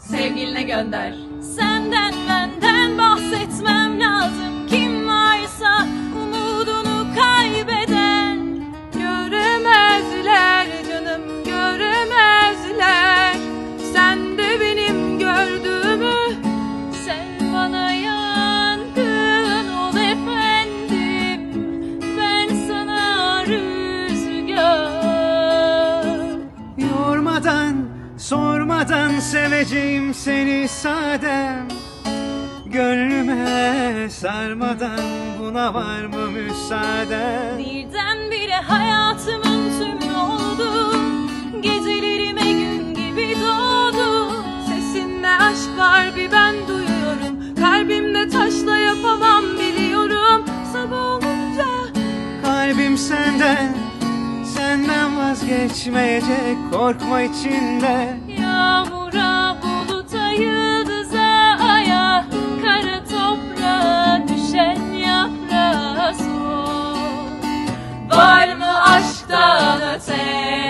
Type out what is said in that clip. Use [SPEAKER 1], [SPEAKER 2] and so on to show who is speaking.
[SPEAKER 1] sevgiline gönder.
[SPEAKER 2] Senden benden bahsetmem lazım. Kim varsa umudunu kaybeden. Göremezler canım, göremezler. Sen de benim gördüğümü. Sen bana yangın ol efendim, ben sana rüzgar.
[SPEAKER 3] Yormadan, sormadan seveceğim seni sadem. Gönlüme sarmadan buna var mı müsaaden?
[SPEAKER 2] Birdenbire hayatımın tümü oldu. Gecelerime gün gibi doğdu. Sesinde aşk var bir ben duyuyorum. Kalbimde taşla yapamam biliyorum. Sabah olunca
[SPEAKER 3] Kalbim senden, senden vazgeçmeyecek, korkma içinde.
[SPEAKER 2] yağmura, buluta, yıldıza, aya, kara toprağa, düşen yaprağa sor. Var mı aşktan öte